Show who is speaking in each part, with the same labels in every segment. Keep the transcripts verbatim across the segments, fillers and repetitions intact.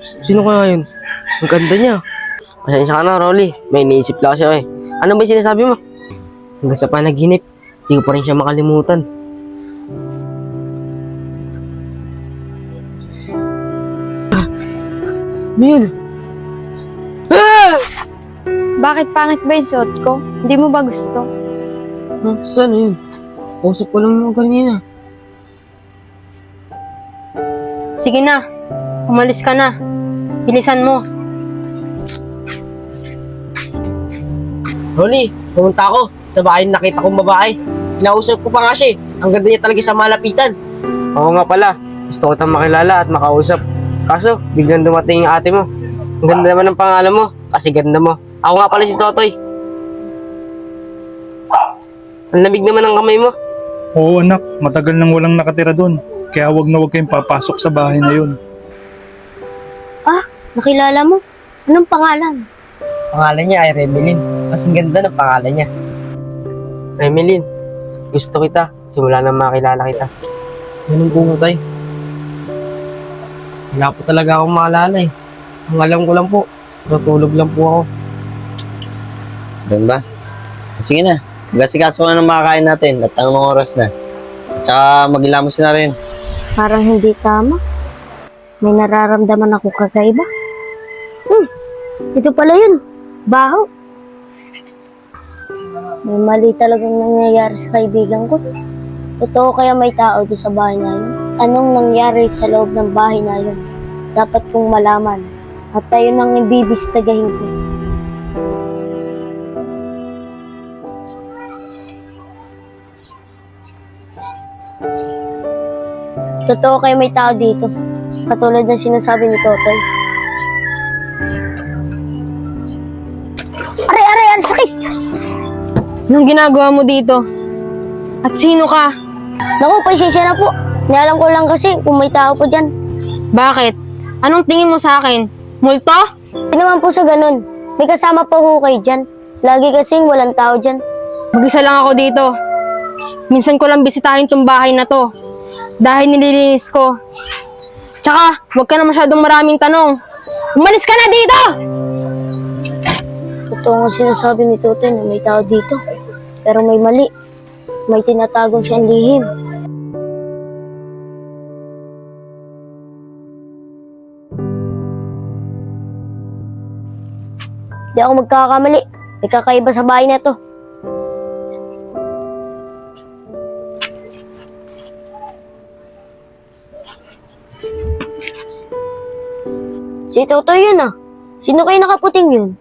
Speaker 1: Sino kaya yun? Ang ganda niya. Pasensya ka na, Rolly. May iniisip lang siya eh. Ano ba yung sinasabi mo? Hanggang sa panaginip, di ko pa rin siya makalimutan. Ano yun? Ah!
Speaker 2: Bakit pangit ba yung suot ko? Hindi mo ba gusto?
Speaker 1: Huh? Saan yun? Kausap ko lang yung kanina.
Speaker 2: Sige na, umalis ka na. Bilisan mo.
Speaker 1: Rolly, pumunta ako sa bahay na nakita kong babae. Kinausap ko pa nga siya eh. Ang ganda niya talaga sa malapitan. Oo nga pala. Gusto ko tayong makilala at makausap. Kaso, biglang dumating yung ate mo. Ang ganda naman ng pangalan mo. Kasi ganda mo. Ako nga pala si Totoy. Ang lamig naman ng kamay mo.
Speaker 3: Oo anak, matagal nang walang nakatira doon. Kaya wag na wag kayong papasok sa bahay na yun.
Speaker 2: Ah, nakilala mo? Anong pangalan?
Speaker 1: Pangalan niya ay Remelin. Kasing ganda ng pangalan niya. Remelin, gusto kita. Simula nang makilala kita. Ganun po tayo. Wala po talaga akong maalala eh. Ang alam ko lang po, natulog lang po ako.
Speaker 4: Doon ba? Sige na. Gasikaso ka na ng makakain natin at anong oras na. Tsaka magilamos na rin.
Speaker 2: Parang hindi tama. May nararamdaman ako kakaiba. Hmm, ito pala yun. Baho. May mali talagang nangyayari sa kaibigan ko. Totoo kaya may tao doon sa bahay na yun? Anong nangyari sa loob ng bahay na yun? Dapat kong malaman. At tayo nang ibibistagahin ko. Totoo kaya may tao dito. Katulad ng sinasabi ni Totoy. Aray, aray, aray, sakit!
Speaker 5: Anong ginagawa mo dito? At sino ka?
Speaker 2: Naku, pasensya na po. Nialam ko lang kasi kung may tao po dyan.
Speaker 5: Bakit? Anong tingin mo sa akin? Multo?
Speaker 2: Hindi naman po sa ganun. May kasama po ho kayo dyan. Lagi kasing walang tao dyan.
Speaker 5: Mag-isa lang ako dito. Minsan ko lang bisitahin tong bahay na to. Dahil nililinis ko. Tsaka, huwag ka na masyadong maraming tanong. Umalis ka na dito!
Speaker 2: Totoo nga sinasabi ni Totoy na may tao dito. Pero may mali. May tinatagong siyang lihim. Di ako magkakamali. May kakaiba sa bahay na to. Si Totoy yun ah. Sino kayo nakaputing yun?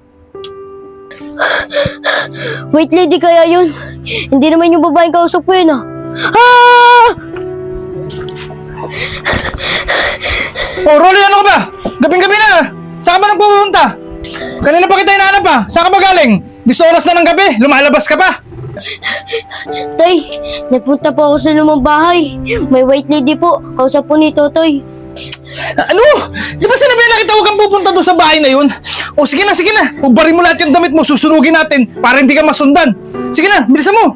Speaker 2: Wait, lady kaya yun? Hindi naman yung babaeng kausap ko yun ah. Ah!
Speaker 3: Oh Rolly, ano ka ba? Gabing-gabi na! Saan ka ba nagpupunta? Kanina pa kita hinahanap pa. Saan ka ba galing? Gusto oras na ng gabi, lumalabas ka pa.
Speaker 2: Tay, nagpunta po ako sa lumang bahay. May white lady po. Kausap po ni Totoy.
Speaker 3: Ano? Di ba sinabi na kita huwag kang pupunta doon sa bahay na yun? O sige na, sige na. Ubarin mo lahat yung damit mo, susunugin natin para hindi ka masundan. Sige na, bilisan mo.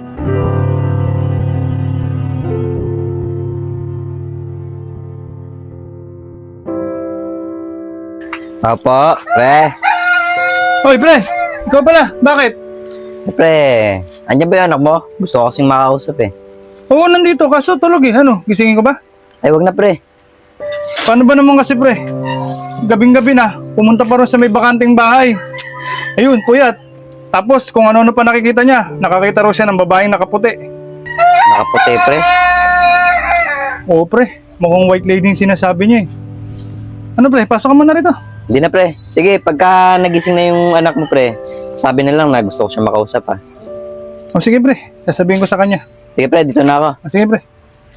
Speaker 4: Apo, pre.
Speaker 3: Hoy pre, ikaw pala, bakit?
Speaker 4: Pre, andyan ba yung anak mo? Gusto ko kasing makausap eh.
Speaker 3: Oo, nandito, kaso tulog eh. Ano, gisingin ko ba?
Speaker 4: Ay, wag na pre.
Speaker 3: Paano ba naman kasi pre? Gabing-gabi na, pumunta pa rin sa may bakanting bahay. Ayun, puyat. Tapos kung ano-ano pa nakikita niya, nakakita raw siya ng babaeng nakaputi.
Speaker 4: Nakaputi pre.
Speaker 3: Oo pre, mukhang white lady yung sinasabi niya eh. Ano pre, pasok ka muna rito.
Speaker 4: Hindi na pre. Sige, pagka nagising na yung anak mo pre, sabi na lang na gusto ko siya makausap ha.
Speaker 3: O sige pre, sasabihin ko sa kanya.
Speaker 4: Sige pre, dito na ako.
Speaker 3: O sige pre.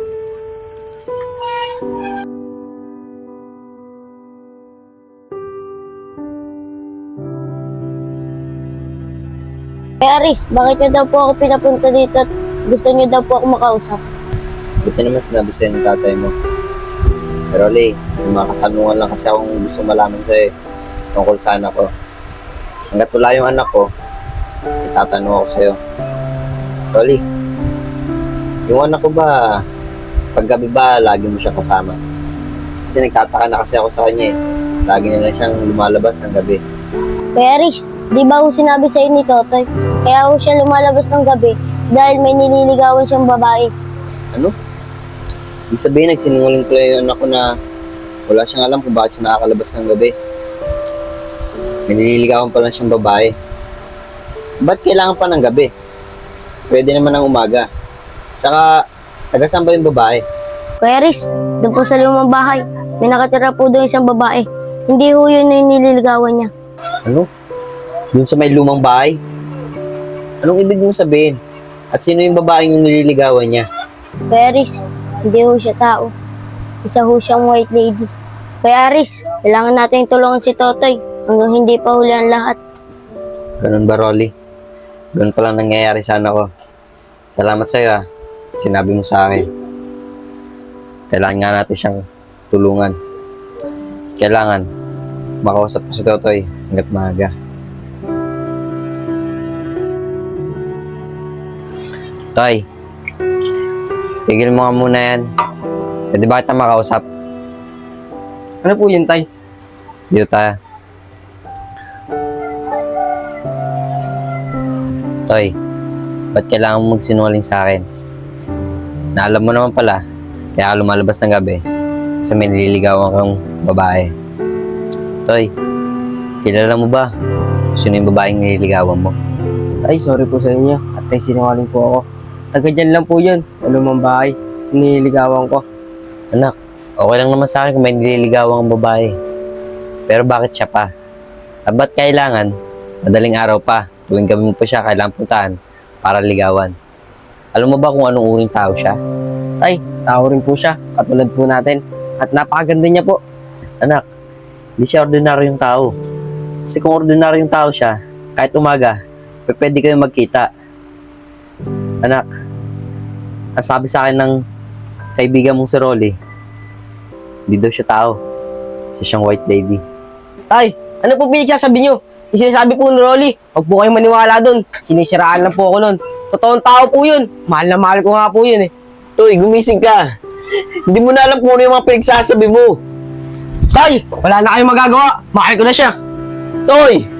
Speaker 2: Kaya Aris, bakit niyo daw po ako pinapunta dito at gusto niyo daw po ako makausap?
Speaker 4: Buti naman sinabi sa'yo ng tatay mo. Pero Lee, may mga katanungan lang kasi akong gusto malaman sa'yo tungkol sa anak ko. Hanggat wala yung anak ko, itatanong ako sa'yo. Rolly, yung anak ko ba, paggabi ba, lagi mo siya kasama? Kasi nagtataka na kasi ako sa kanya eh. lagi na lang siyang lumalabas ng gabi.
Speaker 2: Kuya Aris, di ba ho sinabi sa ni Totoy? Kaya ho siya lumalabas ng gabi dahil may nililigawan siyang babae.
Speaker 4: Ano? Ibig sabihin, nagsinungaling pala yung anak ko na wala siyang alam kung bakit siya nakakalabas ng gabi. May nililigawan pala siyang babae. Ba't kailangan pa ng gabi? Pwede naman ng umaga. Tsaka, taga saan ba yung babae?
Speaker 2: Kuya Aris, doon po sa lumang bahay, may nakatira po doon isang babae. Hindi ho yun yung nililigawan niya.
Speaker 4: Ano? Doon sa may lumang bahay? Anong ibig mong sabihin? At sino yung babaeng yung nililigawan niya?
Speaker 2: Kuya Aris, hindi ho siya tao. Isa ho siyang white lady. Kuya Aris, kailangan natin tulungan si Totoy hanggang hindi pa huli ang lahat.
Speaker 4: Ganun ba, Rolly? Ganun palang nangyayari sa anak ko. Salamat sa'yo ah. Sinabi mo sa akin. Kailangan nga natin siyang tulungan. Kailangan makausap ko si Totoy hanggat maaga. Toy, tigil mo nga muna yan. Pwede ba kita makausap?
Speaker 1: Ano po yun, Tay?
Speaker 4: Dito tayo. Toy, ba't kailangan mo magsinungaling sa akin? Na alam mo naman pala, kaya ka lumalabas ng gabi kasi may nililigawan kang babae. Toy, kilala mo ba sino yung babaeng nililigawan mo?
Speaker 1: Tay, sorry po sa inyo. At tay, sinungaling po ako. Taga dyan lang po yun, sa lumang bahay. Nililigawan ko.
Speaker 4: Anak, okay lang naman sa akin kung may nililigawan kang babae. Pero bakit siya pa? At ba't kailangan, madaling araw pa, tuwing gabi mo pa siya, kailangan puntahan para ligawan? Alam mo ba kung anong uring tao siya?
Speaker 1: Tay, tao rin po siya, katulad po natin. At napakaganda niya po.
Speaker 4: Anak, di siya ordinaryong tao. Kasi kung ordinaryong tao siya, kahit umaga, p- pwede kayong magkita. Anak, ang sabi sa akin ng kaibigan mong si Rolly, hindi daw siya tao. Siya siyang white lady.
Speaker 1: Tay, ano po pinagsasabi niyo? Yung sinasabi po ni Rolly, huwag po kayo maniwala dun. Sinisiraan lang po ako nun. Totoong tao po yun. Mahal na mahal ko nga po yun eh.
Speaker 4: Toy, gumising ka! Hindi mo na alam kung ano yung mga pinagsasabi mo.
Speaker 1: Tay, wala na kayong magagawa. Mahal ko na siya.
Speaker 4: Toy!